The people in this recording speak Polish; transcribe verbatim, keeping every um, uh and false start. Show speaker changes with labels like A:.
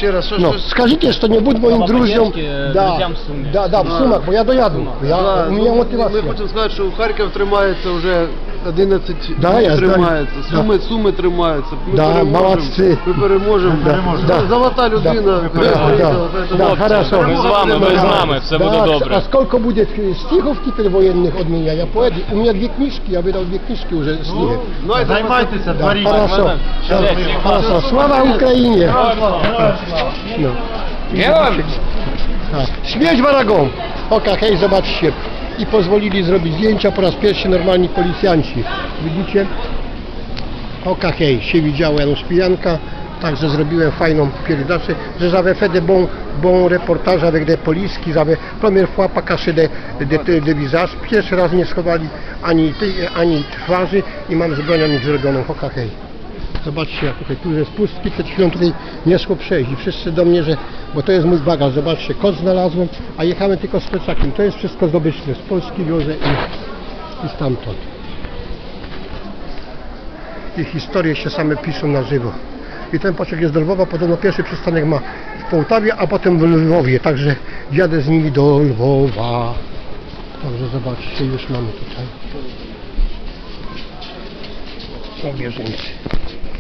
A: Ще раз, що,
B: Ну,
A: що...
B: скажите, что не будь моим
C: Слова
B: друзьям.
C: поддержки
B: Да,
C: друзьям в Сумах.
B: да, да, в Сумах, бо я дояду. Я,
A: Да,
B: у меня
A: ну,
B: мотивация.
A: Ми хочемо сказати, що Харків тримається вже одинадцять
B: Да,
A: днів
B: я знаю.
A: тримається.
B: Да.
A: Суми, Суми тримаються. Ми
B: Да,
A: переможемо.
B: молодці.
A: Ми переможемо.
B: Да, да.
A: Золота людина.
B: Да,
A: приїхала,
B: да,
A: поэтому-
B: да, хорошо.
C: Ми з вами, ви з нами, все буде
B: Да,
C: добре.
B: А сколько будет стихов теперь военных от меня? Я поэт. У меня две книжки, я выдал две книжки уже стихи.
A: Ну, а
D: Займайтеся,
B: Да,
D: творіть.
B: хорошо.
C: Все,
B: Хорошо. Слава Украине! No.
C: Героям!
B: Tak. Śmierć wrogom! Oka, hej, zobaczcie. I pozwolili zrobić zdjęcia po raz pierwszy normalni policjanci. Widzicie? Oka, hej, się widziało Janusz Pijanka. Także zrobiłem fajną pierdolę, że j'avais fait de bons bon reportages avec des polices qui avaient première fois pas caché des de, de, de visage. Pierwszy raz nie schowali ani, tej, ani twarzy i mam z bronią ich zrobioną. Oka, hej. Zobaczcie, jak tutaj tu jest pustki, przed chwilą tutaj nie szło przejść i wszyscy do mnie, że, bo to jest mój bagaż, zobaczcie, kot znalazłem, a jechałem tylko z plecakiem, to jest wszystko zdobyczne, z Polski wiozę i, i stamtąd. I historie się same piszą na żywo. I ten pociąg jest do Lwowa, podobno pierwszy przystanek ma w Połtawie, a potem w Lwowie, także jadę z nimi do Lwowa. Także zobaczcie, już mamy tutaj. Są bieżnicy.